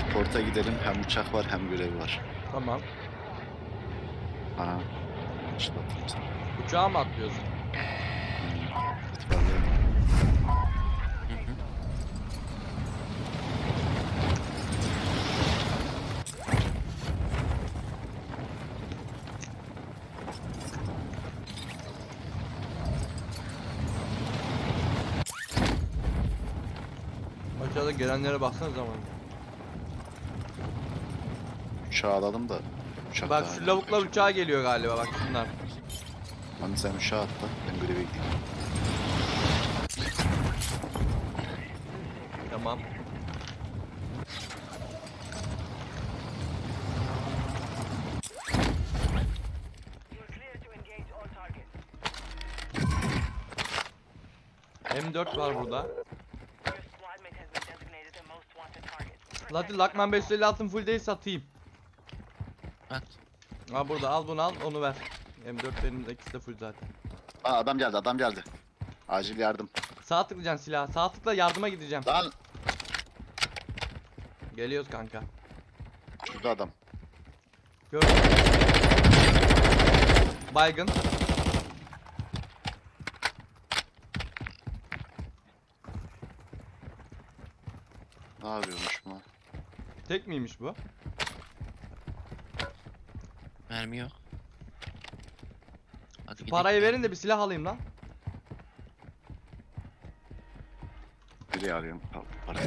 Porta gidelim. Hem uçak var hem görev var. Tamam. Aha. Başlatayım sana. Uçağa mı atlıyorsun? İtfaiye. Hı hı. Aşağıda gelenlere baksana zaman. Uçağı alalım da. Uçak Bak daha şu hala lavuklar kaçacak. uçağa geliyor galiba, bak şunlar. Hani sen uçağa atla. Ben göreve gideyim. Tamam. M4 var burada. Hadi Lakman 556'ın full değil satayım. At. Ha burada, al bunu, al onu ver. M4 benim de, ikisi de full zaten. Aa, adam geldi, adam geldi. Acil yardım. Sağ tıklayacaksın silah. Sağ tıkla, yardıma gideceğim. Lan Geliyoruz kanka. şurada adam. Gördüm. Baygın. Ne yapıyormuş bu? Tek miymiş bu? Mermi yok. Hadi gidelim. Parayı verin de bir silah alayım lan. Nereye arıyorum? Al parayı.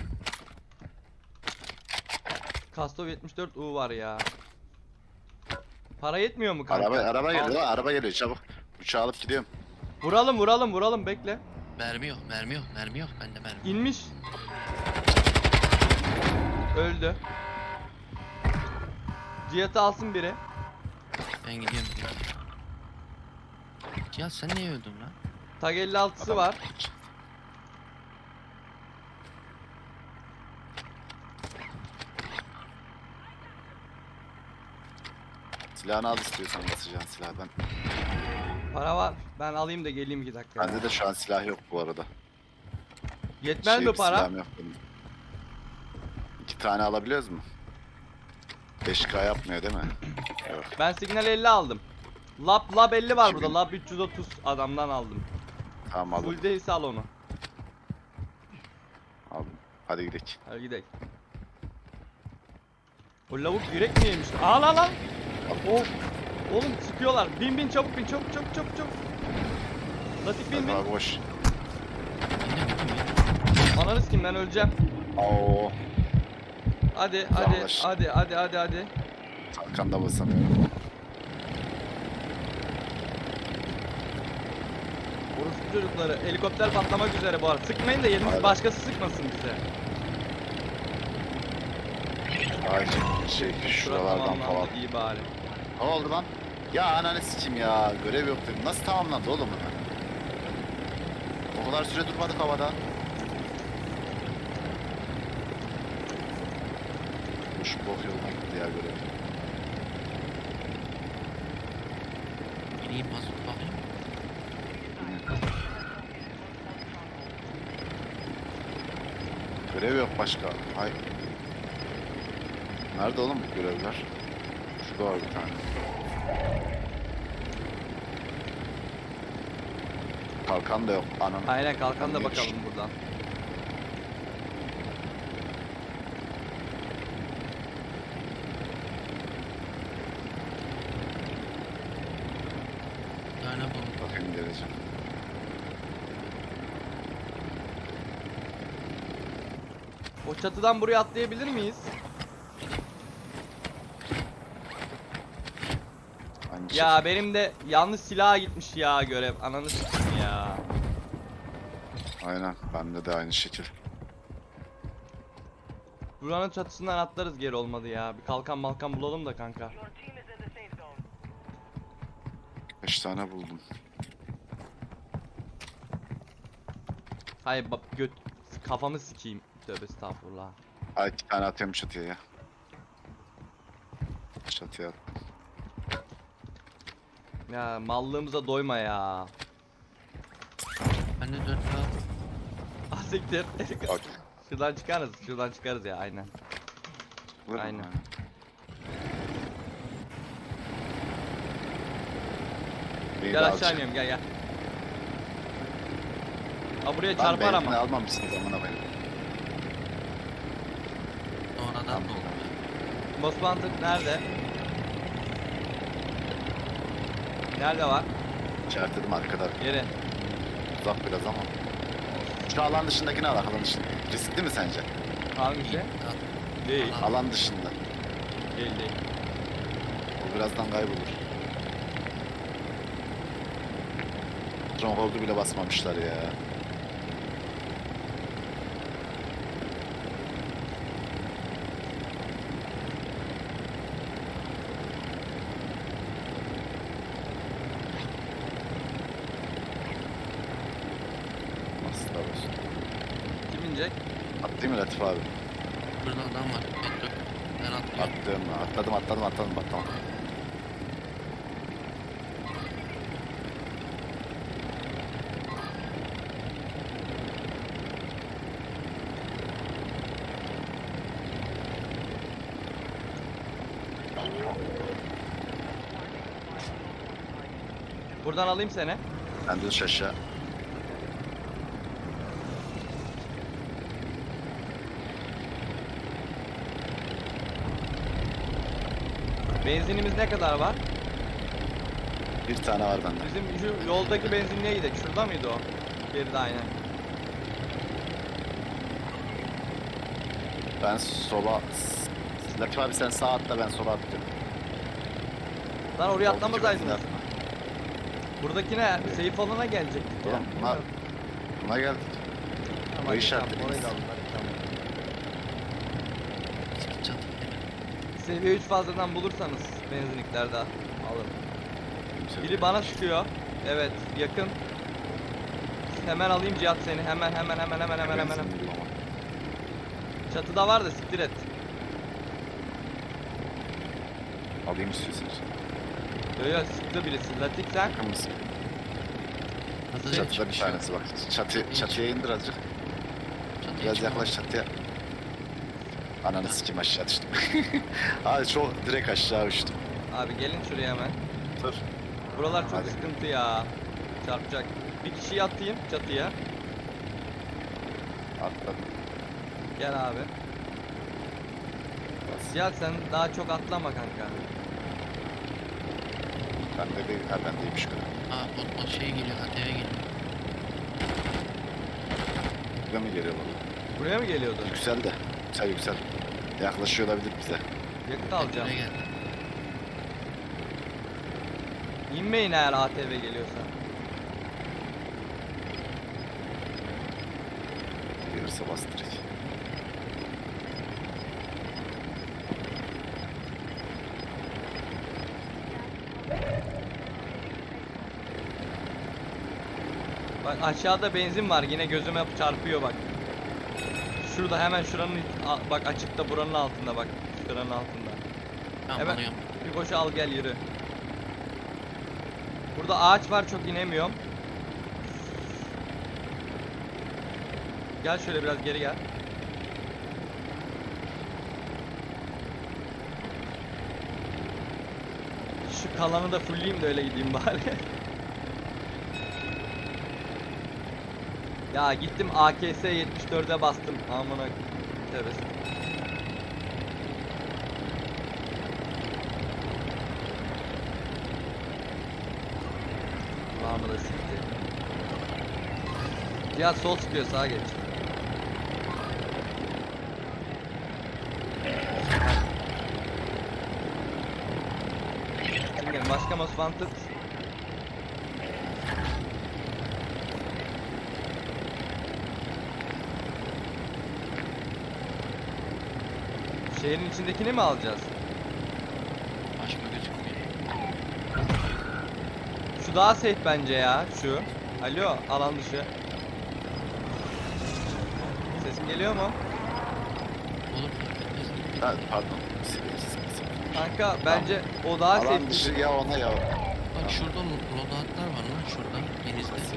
Kastov 74 U var ya. Para yetmiyor mu kanka? Araba Al. geliyor, araba geliyor çabuk. Uçağı alıp gidiyorum. Vuralım bekle. Mermi yok, mermi yok, mermi yok. Bende mermi. İnmiş. Öldü. Cihat'ı alsın biri. Ben gidiyorum. Ya sen niye öldün lan? Tag 56'sı Adam- var. Silahını al istiyorsan basacağın silah ben. Para var. Ben alayım da geleyim 2 dakika. Bende de şu an silah yok bu arada. Yetmez mi bir para? silahım yok benim. 2 tane alabiliyoruz mu? 5K yapmıyor değil mi? Yok. Ben signal 50 aldım. Lab 50 var burada. Kimin? Lab 330 adamdan aldım. Tamam aldım. Full değilse al onu. Aldım. Hadi gidelim. Hadi gidelim. O lavuk yürek mi yemiş? Al al al. Oh. Oğlum sıkıyorlar. Bin çabuk bin, çabuk. Latif bin. Hadi abi boş. Ananı sikeyim, ben öleceğim. Oo. Hadi Yaklaş. hadi. Arkanda basamıyorum. Orospu çocukları, helikopter patlamak üzere bu arada. Sıkmayın da yeriniz Aynen. başkası sıkmasın bize. Acil şuralardan tamamlandı, falan. iyi bari. Ne oldu lan? Ya ananı sikeyim ya. Görev yok dedim. Nasıl tamamlandı oğlum hemen? O kadar süre durmadık havada. Şu bok yoluna gitti ya görev. İneyim mazot bakayım. Görev yok başka. Ay. Nerede oğlum bu görevler? Şurada var bir tane. Kalkan da yok. Ananı. Aynen, kalkan da Niye bakalım düştü? buradan. Bir tane buldum. Bakayım geleceğim. O çatıdan buraya atlayabilir miyiz? Hangi Ya şey? benim de yanlış silaha gitmiş ya görev. Ananı sikeyim ya. Aynen. Bende de aynı şekil. Buranın çatısından atlarız, geri olmadı ya. Bir kalkan malkan bulalım da kanka. 5 tane buldum. Hayır bak, kafamı sikeyim. Tövbe estağfurullah. Ay 2 tane atıyorum çatıya ya. Çatıya at. Ya mallığımıza doyma ya. Bende 4 var. Ah siktir. Bak. Şuradan çıkarız ya aynen. Vurma. Aynen. Beni Gel de aşağı alacak. iniyorum gel. Ha buraya Lan çarpar benzini ama. almamışsınız amına koyayım. Sonradan Tamam. da oldu ya. Most Wanted nerede? Nerede var? İşaretledim arkada. Yeri. Uzak biraz ama. Şu alan dışındakini al, alan dışında. Riskli mi sence? Hangisi? Değil. Alan dışında. Değil değil. O birazdan kaybolur. Stronghold'u bile basmamışlar ya. Nasıl olsun? Kim inecek? Attın mı Latif abi? Burada adam var. Bekle. Ben atlıyorum. Atladım bak tamam. Buradan alayım seni. Ben düz aşağı. Benzinimiz ne kadar var? Bir tane var bende. Bizim şu yoldaki benzinliğe gidelim. Şurada mıydı o? Geride aynen. Ben sola... Latif abi sen sağa atla, ben sola atlıyorum. Lan oraya Oldukça atlamasaydınız. benzin Buradakine safe alana gelecektik ya. Oğlum, bunlar- Buna geldik. Tamam, bu işaretlediniz. tamam, orayı da aldık, hadi, tamam. Çat. Seviye 3 fazladan bulursanız benzinliklerde alırım. Biri bana sıkıyor. Evet, yakın. Hemen alayım Cihat seni. Hemen. Benzin bulama. Çatıda var da siktir et. Alayım istiyorsanız. Öyle sıktı birisi. Latik sen. Yakın mısın? Hadi Çatıda bir tanesi bak. Çatıya indir azıcık. Biraz yaklaş çatıya. Ananı sikim aşağı düştüm. Abi çok direkt aşağı uçtum. Abi gelin şuraya hemen. Dur. Buralar çok Hadi. sıkıntı ya. Çarpacak. Bir kişiyi atayım çatıya. Atladım. Gel abi. Bas. Cihat sen daha çok atlama kanka. Bende değil. Ha bendeymiş kadar. Aa o şey geliyor. ATV geliyor. Buraya mı geliyor baba? Buraya mı geliyordu? Yüksel de. Yüksel. Yaklaşıyor olabilir bize. Yakıt alacağım. Buraya geldi. İnmeyin eğer ATV geliyorsa. Gelirse bastıracak. Bak aşağıda benzin var yine gözüme çarpıyor bak. Şurada hemen şuranın bak açıkta buranın altında bak. Şuranın altında. Tamam Evet. alıyorum. Bir koşu al gel yürü. Burada ağaç var çok inemiyorum. Gel şöyle biraz geri gel. Şu kalanı da fullleyeyim de öyle gideyim bari. Ya gittim AKS 74'e bastım. Amına tövbe. Kulağımı da sikti. Cihat sol sıkıyor sağa geç. Şimdi başka Most Wanted. Şehrin içindekini mi alacağız? Başka gözükmüyor. Şu daha safe bence ya. Şu. Alo, alan dışı. Sesim geliyor mu? Olur fark etmez. Ha, pardon. Sivilsiz. Kanka bence o daha safe. Alan dışı ya ona ya. Bak şurada loadoutlar var lan şurada. Denizde.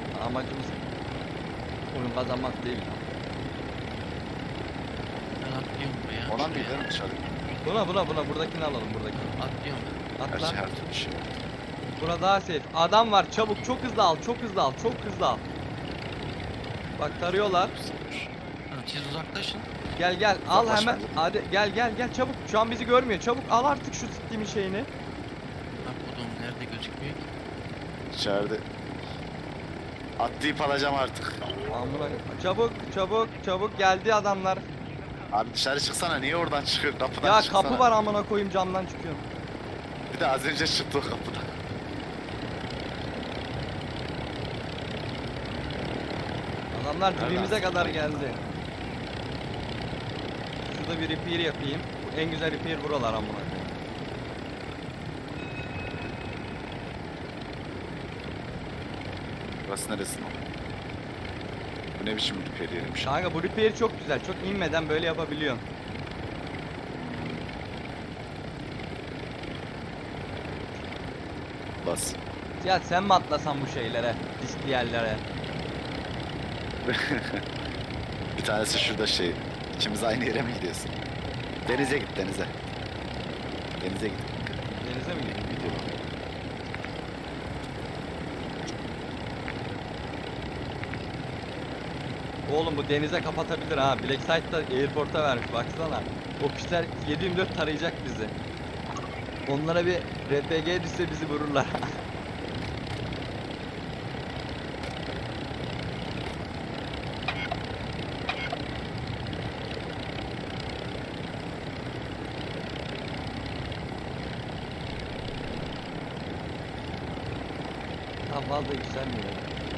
Amacımız oyun kazanmak değil. Ben atlıyorum. Atlıyorum buraya. Ona mı şuraya. gidelim dışarı? Buna buradakini alalım buradakini. Atlıyorum. Gerçi Atla. her türlü şey var. Bura daha safe. Adam var çabuk çok hızlı al çok hızlı al çok hızlı al. Bak tarıyorlar. Ha, siz uzaklaşın. Gel al hemen. Uzaklaşma. Hadi gel çabuk. Şu an bizi görmüyor. Çabuk al artık şu siktiğimin şeyini. Bak oğlum nerede gözükmüyor ki? İçeride. Atlayıp alacağım artık. Amına çabuk geldi adamlar. Abi dışarı çıksana, niye oradan çıkıyor? Kapıdan Ya çıksana. kapı var amına koyayım camdan çıkıyorum. Bir de az önce çıktı o kapıdan. Adamlar Nereden dibimize sıktı? kadar geldi. Şurada bir repair yapayım. Bu en güzel repair buralar amına koyayım. Burası neresi? Bu ne biçim bir periyermiş? Kanka bu repair çok güzel. Çok inmeden böyle yapabiliyorsun. Bas. Ya sen mi atlasan bu şeylere? Riskli yerlere. Bir tanesi şurada şey. İkimiz aynı yere mi gidiyorsun? Denize git, denize. Denize git. Denize mi gidiyorsun? Gidiyor. Oğlum bu denize kapatabilir ha. Blackside'da airport'a vermiş baksana. O pişler 7/24 tarayacak bizi. Onlara bir RPG düşse bizi vururlar. Tam fazla yükselmiyor.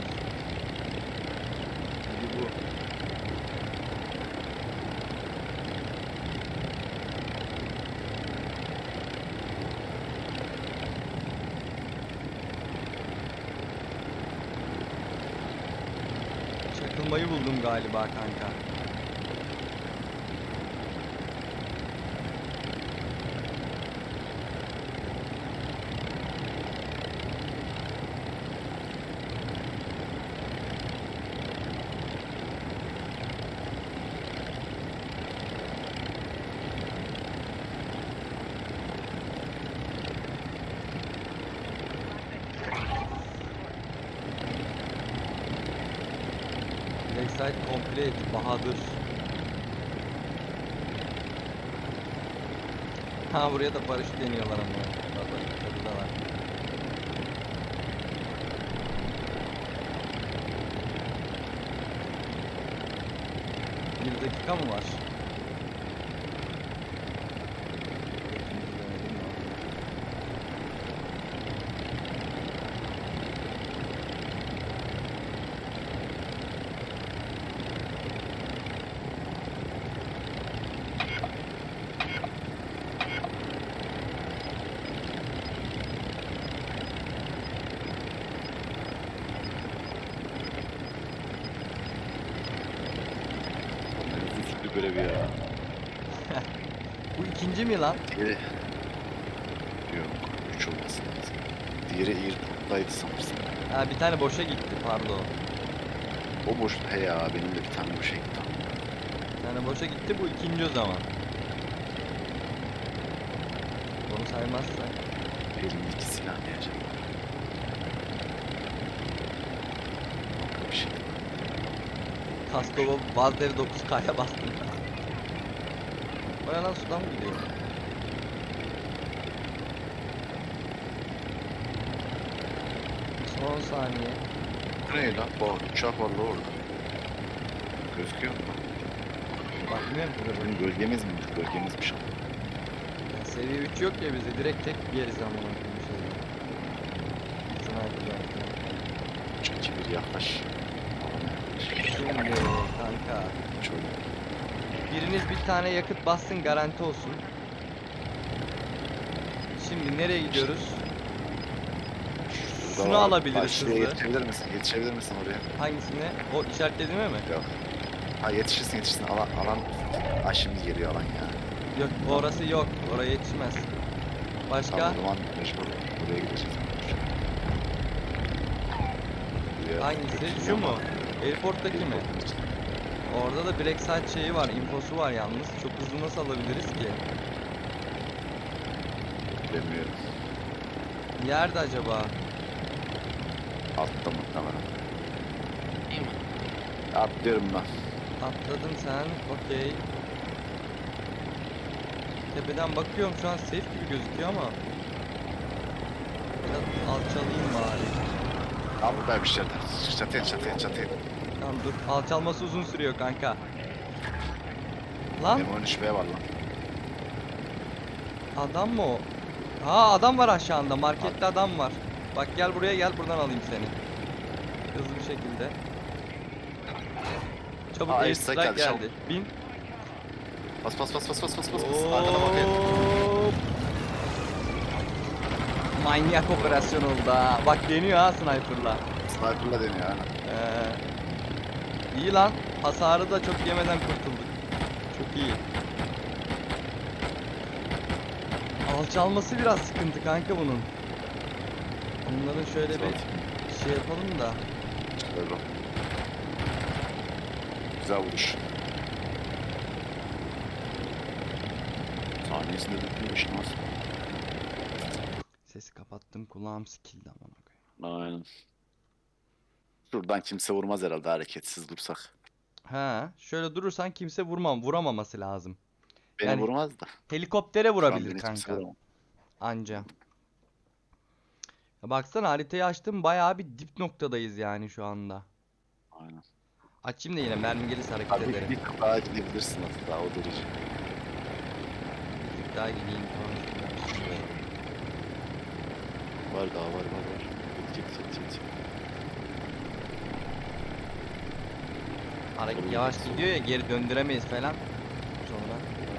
Çünkü bu çakılmayı buldum galiba kanka. Lakeside complete Bahadır. Ha buraya da paraşüt deniyorlar ama. Bak tadı da var. Bir dakika mı var? Üzücü bir görev ya. Bu ikinci mi lan? Diğeri... Yok, 3 olması lazım. Diğeri Airport'taydı sanırsam. Ha bir tane boşa gitti pardon. O boş... He ya, benim de bir tane boşa gitti. Bir tane boşa gitti bu ikinci o zaman. Onu saymazsak. Elimdeki silah diyeceğim. Bir şey. Kaskova Vazdev 9K'ya bastım. Baya lan sudan mı gidiyor? Son saniye. Bu ne lan? Bu uçak var la orada. Gözüküyor mu? Bakmıyorum ki Bizim gölgemiz mi? Gölgemizmiş ama. ya, seviye 3 yok ya bizde direkt tek yeriz amına koyayım şeyde. Sniper'dan. Çünkü bir yaklaş. Şimdi kanka. Şöyle. Biriniz bir tane yakıt bassın garanti olsun. Şimdi nereye gidiyoruz? Şunu alabiliriz Şuraya hızlı. yetişebilir misin? Yetişebilir misin oraya? Hangisine? O işaretlediğime mi? Yok. Ha yetişirsin. Alan... Ha şimdi geliyor alan ya. Yok orası yok. Oraya yetişmez. Başka? Tamam o zaman mecbur buraya gideceğiz. Buraya Hangisi? götürüyor Şu ama mu? Airport'taki mi? Orada da Black Site şeyi var, infosu var yalnız. Çok hızlı nasıl alabiliriz ki? Bilmiyorum. Nerede acaba? Altta muhtemelen. Değil mi? Atlıyorum ben. Atladın sen, okey. Tepeden bakıyorum şu an safe gibi gözüküyor ama. Biraz alçalayayım bari. Abi buradaymış yerden. Çatıya. Tamam dur, alçalması uzun sürüyor kanka. Lan M13B var lan. adam mı o? Ha adam var aşağında, markette adam var. Bak gel buraya, gel buradan alayım seni. Hızlı bir şekilde. Çabuk Aa, air Esra strike geldi, geldi. çabuk. Bin. Bas. Arkana bakayım. Hop. Manyak operasyon oldu ha. Bak deniyor ha sniper'la. Sniper'la deniyor yani. İyi lan. Hasarı da çok yemeden kurtulduk. Çok iyi. Alçalması biraz sıkıntı kanka bunun. Bunların şöyle bir şey yapalım da. Böyle. Güzel vuruş. Saniyesinde bitmiş nasıl? Sesi kapattım, kulağım sikildi amına koyayım. Aynen. Şuradan kimse vurmaz herhalde hareketsiz dursak. Ha, şöyle durursan kimse vuramaması lazım. Beni Yani vurmaz da. Helikoptere Şu an vurabilir beni kimse kanka. vuramaz. Anca. Ya baksana haritayı açtım, bayağı bir dip noktadayız yani şu anda. Aynen. Açayım da yine mermi gelirse hareket Abi ederim. bir tık daha gidebilirsin hatta o derece. Bir tık daha gideyim falan. Var daha var. Git. Hareket yavaş gidiyor ya, geri döndüremeyiz falan. Sonra.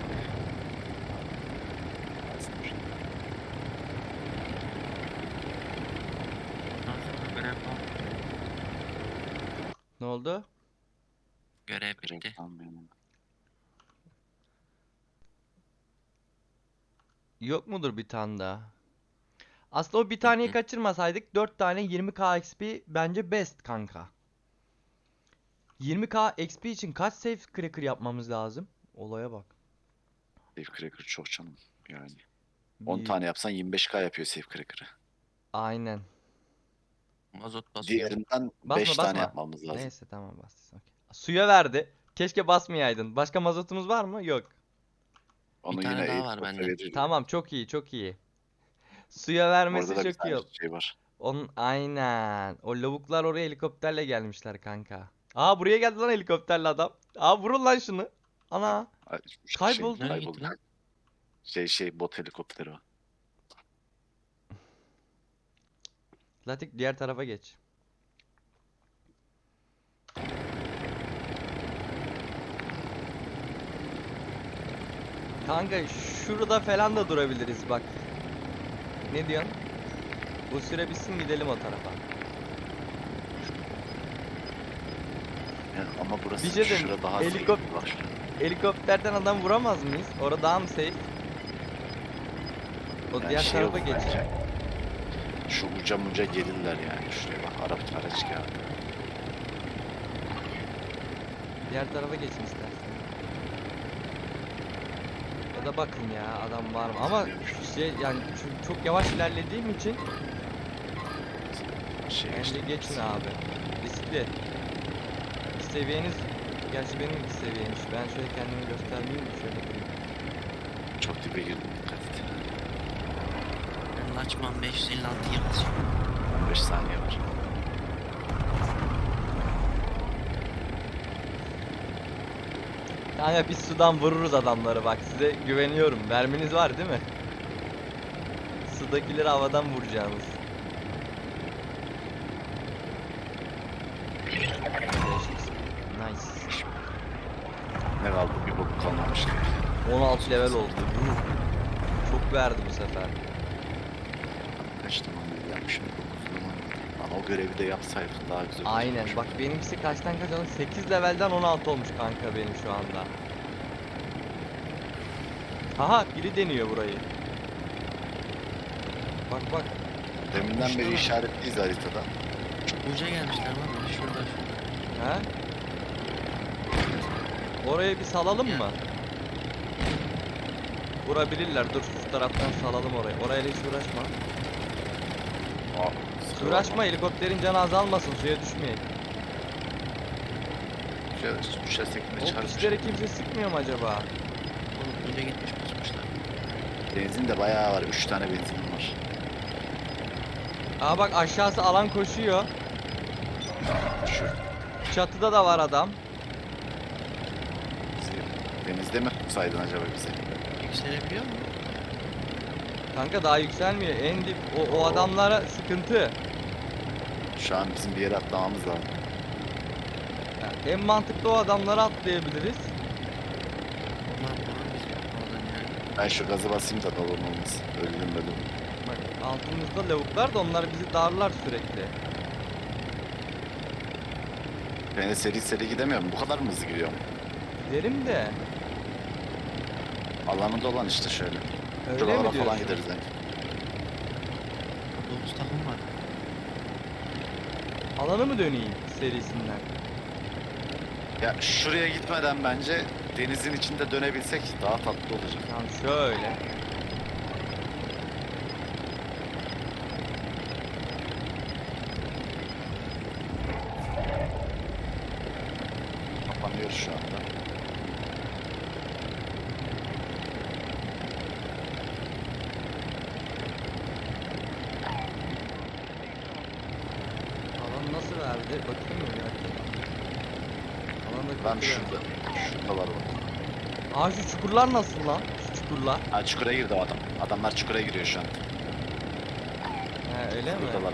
Görev var. Ne oldu? Görev bitti. Reklam benim. Yok mudur bir tane daha? Aslında o bir taneyi kaçırmasaydık 4 tane 20k XP bence best kanka. 20k XP için kaç safe cracker yapmamız lazım? Olaya bak. Safe Cracker çok canım yani. 10 Bir- tane yapsan 25k yapıyor Safe Cracker'ı. Aynen. Mazot basıyor. Diğerinden Basma 5 tane basma. yapmamız lazım. Neyse tamam bas. Okey. Suya verdi. Keşke basmayaydın. Başka mazotumuz var mı? Yok. Onu Bir tane yine daha var helikopter bende. verir. Tamam çok iyi çok iyi. Suya vermesi Orada da bir çok iyi tane oldu. şey var. Onun aynen. O lavuklar oraya helikopterle gelmişler kanka. Aa buraya geldi lan helikopterle adam. Aa vurun lan şunu. Ana. Ay, Kayboldu. Nereye gitti lan? Bot helikopteri o. Latik diğer tarafa geç. Kanka şurada falan da durabiliriz bak. Ne diyorsun? Bu süre bitsin gidelim o tarafa. Yani ama burası Bir şey diyeyim, şurada daha safe. Bak şurada. Helikopterden adam vuramaz mıyız? Orada daha mı safe? O Yani diğer şey tarafa olur geç. bence. Şu uca gelirler yani. Şuraya bak araç geldi. Diğer tarafa geçin istersen. Ya da bakın ya adam var mı? Ama şey yani çok yavaş ilerlediğim için bence geçin abi. Riskli. Seviyeniz gerçi benim de seviyeymiş. Ben şöyle kendimi göstermeyeyim de şöyle durayım. Çok dibe girdim dikkat et. Ben Laçman 556 yapacağım. 15 saniye var. Kanka biz sudan vururuz adamları bak size güveniyorum. Merminiz var değil mi? Sudakileri havadan vuracağınız. Nice. Ne kaldı? Bir bok kalmamış. 16 level oldu. Yuh. Çok verdi bu sefer. Kaç tamam yapmışım 9 zaman. Lan o görevi de yapsaydık daha güzel Aynen. olacakmış. Bak benimkisi kaçtan kaç oldu? 8 levelden 16 olmuş kanka benim şu anda. Aha biri deniyor burayı. Bak bak. Deminden beri Şurada. işaretliyiz haritada. Uca gelmişler lan. Şurada. Ha? Oraya bir salalım Ya. mı? Vurabilirler. Dur şu taraftan salalım orayı. Orayla hiç uğraşma. Uğraşma, helikopterin canı azalmasın, suya düşmeyin. Şöyle düşersek de O çıkarmış. pişlere kimse sıkmıyor mu acaba? Oğlum önce gitmiş basmışlar. Benzin de bayağı var. 3 tane benzinim var. Aa bak, aşağısı alan koşuyor. Şu Çatıda da var adam. bizi denizde mi saydın acaba bizi? Yükselebiliyor mu? Kanka daha yükselmiyor. En dip o adamlara sıkıntı. Şu an bizim bir yere atlamamız lazım. Yani en mantıklı o adamlara atlayabiliriz. Onlar vurur bizi oradan yani. Ben şu gazı basayım da balon olmasın. Öldüm öldüm. Bak altımızda lavuklar da onlar bizi darlar sürekli. Ben de seri seri gidemiyorum. Bu kadar mı hızlı gidiyorum? Giderim de. Alanında olan işte şöyle. Öyle Şuralara mi falan diyorsun? gideriz yani. 9 takım var. Alanı mı döneyim serisinden? Ya şuraya gitmeden bence denizin içinde dönebilsek daha tatlı olacak. Tamam şöyle. Kapanıyoruz şu anda. Alan nasıl verdi? Bakayım mı ya? Alanda Lan kötü verdi. şurada. Şurada var bak. Aa şu çukurlar nasıl lan? Şu çukurlar. Ha çukura girdi o adam. Adamlar çukura giriyor şu an. He öyle mi? Buradalar.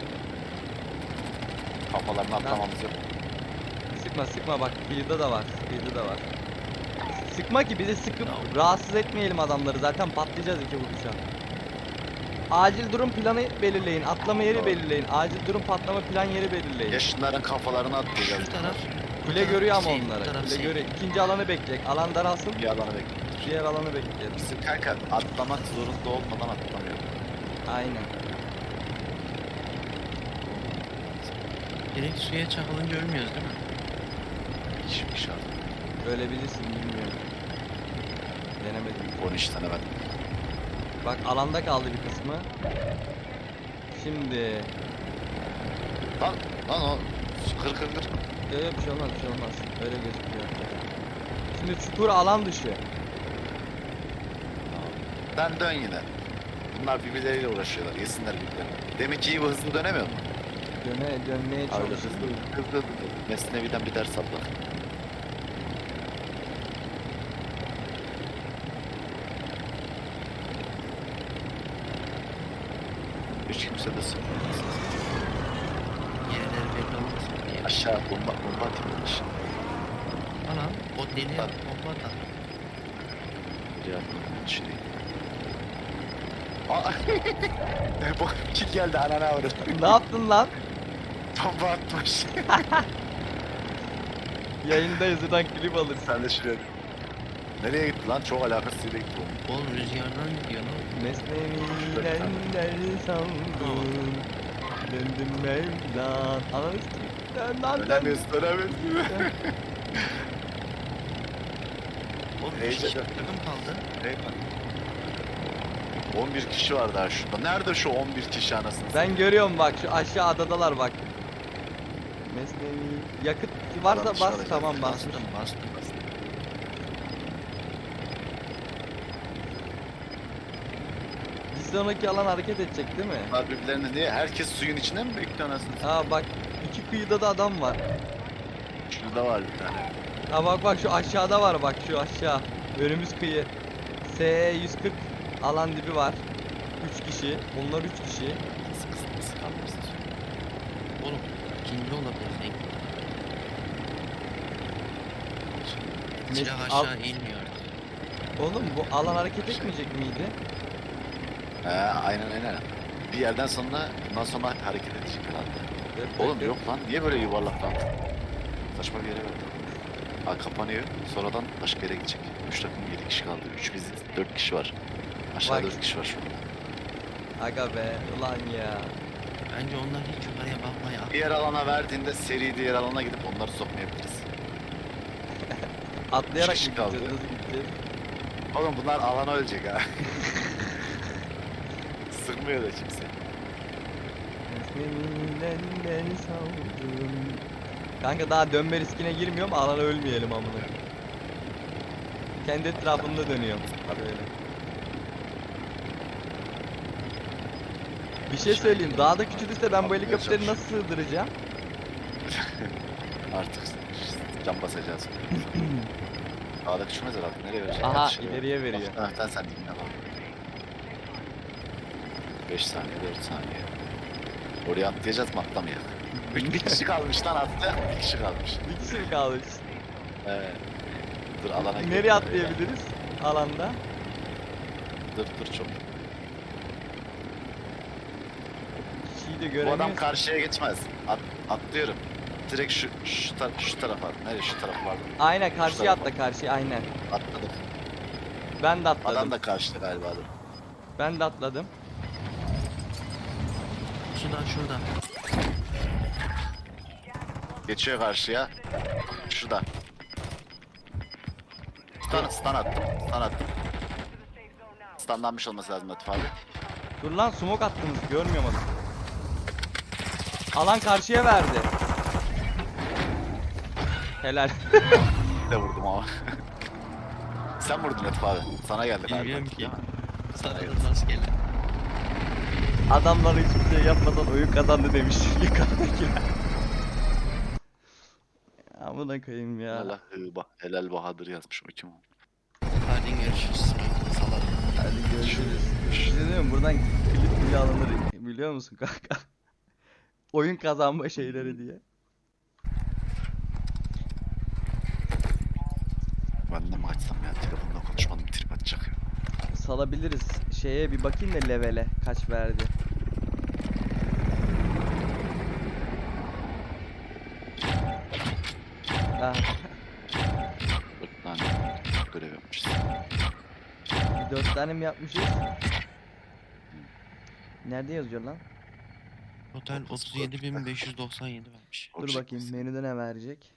Kafalarını atlamamız yok. Sıkma sıkma bak, kıyıda da var. Kıyıda da var. Sıkma ki bizi sıkıp rahatsız etmeyelim adamları. Zaten patlayacağız iki vuruşa. Acil durum planı belirleyin. Atlama yeri Doğru. belirleyin. Acil durum patlama plan yeri belirleyin. Ya şunların kafalarını atlayacağız. Şu taraf. Kule görüyor ama şey, bu onları. taraf Kule şey. görüyor. İkinci alanı bekleyecek. Alan daralsın. Bir alanı bekliyoruz. Diğer alanı bekleyelim. Bizim kanka atlamak zorunda olmadan atlamıyor. Aynen. Direkt suya çakılınca ölmüyoruz değil mi? Hiçbir şey yok. Ölebilirsin, bilmiyorum. Denemedim. 13 tane ben. Bak alanda kaldı bir kısmı. Şimdi Lan o. Kır kır kır. bir şey olmaz, bir şey olmaz. Öyle gözüküyor. Şimdi çukur alan dışı. Sen dön yine. Bunlar birbirleriyle uğraşıyorlar. Yesinler birbirlerini. Demek ki iyi bu hızlı dönemiyor mu? Dönmeye Öyle çalışıyoruz. hızlı. Mesnevi'den bir ders abla. Hiç kimse de sıkmıyor. Yerleri belli olmasın diye. Aşağı bomba atılmış. Ana o deli Bak. bomba da. Cevabını şey. Aa! Bu kim geldi anana avradı. Ne yaptın lan? Bomba atmış. Yayındayız, buradan klip alırsın. Sen de şuraya. Nereye gitti lan? Çok alakasız yere gitti bomba. Oğlum rüzgardan gidiyor lan. Mesnevi'den sandım. Döndüm Mevlan. Ananı sikeyim. Dön lan dön. Dönemiyorsun, dönemiyorsun. Oğlum Heyecan. 2 takım kaldı. Eyvallah. 11 kişi var daha şurada. Nerede şu 11 kişi anasını? Ben görüyorum bak, şu aşağı adadalar bak. Mesnevi. Yakıt varsa Adam bas, dışarıda tamam geldi. basmış. Bastım. Bir sonraki alan hareket edecek değil mi? Bunlar birbirlerini niye? Herkes suyun içinde mi bekliyor anasını? Aa bak, iki kıyıda da adam var. Şurada var bir tane. Ha bak şu aşağıda var, bak şu aşağı. Önümüz kıyı. SE 140 alan dibi var. 3 kişi. Bunlar 3 kişi. Sıkı kalmışsın. Oğlum ikinci olabilir renk. Silah Al- aşağı inmiyor. Oğlum bu alan hareket etmeyecek miydi? He aynen. Bir yerden sonra bundan sonra hareket edecek herhalde. Oğlum yok lan niye böyle yuvarlak lan? Saçma bir yere verdi. Ha kapanıyor. Sonradan başka yere gidecek. 3 takım 7 kişi kaldı. 3 biziz. 4 kişi var. Aşağıda Bak. 4 kişi var şu an. Aga be ulan ya. Bence onlar hiç yukarıya bakmaya Diğer alana verdiğinde seri diğer alana gidip onları sokmayabiliriz. Atlayarak kişi mı kaldı. gideceğiz? Nasıl gideceğiz? Oğlum bunlar alana ölecek ha. Sıkmıyor da kimse. Seninle savdum. Kanka daha dönme riskine girmiyorum, alana ölmeyelim amına. Kendi etrafında dönüyorum. Böyle. Bir şey söyleyeyim, dağda küçülürse ben bu helikopteri nasıl sığdıracağım? Artık cam basacağız. Dağda küçülmez herhalde. Nereye verecek? Aha, Dışarı ileriye ver. veriyor. Muhtemelen sen dinle bak. 5 saniye, 4 saniye. Oraya atlayacağız mı atlamayalım? Bir kişi kalmış lan atlayan bir kişi kalmış. Bir kişi mi kalmış? Evet. Dur alana Nereye gel. atlayabiliriz? Alanda. Dur çok. Kişiyi de Bu göremiyoruz. adam karşıya geçmez. Atlıyorum. Direkt şu tarafa. Nereye şu tarafa vardı? Aynen karşıya tarafa. atla, karşıya aynen. Atladık. Ben de atladım. Adam da karşıda galiba adam. Ben de atladım. Sudan şurada. Geçiyor karşıya. Şurada. Stun attım. Stun attım. Stunlanmış olması lazım Latif abi. Dur lan, smoke attınız, görmüyorum adamı. Alan karşıya verdi. Helal. Bir de vurdum ama. Sen vurdun Latif abi. Sana geldi galiba. Bilmiyorum ki. değil mi? Sana da nasıl gelir? Adamlar hiçbir şey yapmadan oyun kazandı demiş yukarıdakiler. Amına koyayım ya. Helal Bahadır yazmış o kim o? Hadi görüşürüz. Salarım. Hadi görüşürüz. Bir şey diyeyim mi? Buradan klip bile alınır biliyor musun kanka? Oyun kazanma şeyleri diye. Ben de mi açsam ya telefonda konuşmadım trip atacak ya. Salabiliriz. Şeye bir bakayım da levele kaç verdi. Ah, 4 tane görev yapmışız. 4 tane mi yapmışız? Nerede yazıyor lan? Total 37.597 vermiş. Dur Object bakayım misin? menüde ne verecek?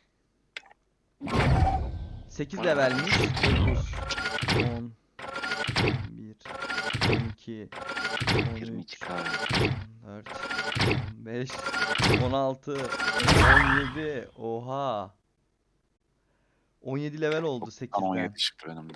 8 levelmiş. 9 10 11 12 13 22k. 14 15 16 17 oha 17 level oldu 8'den. 17 çıktı benim de.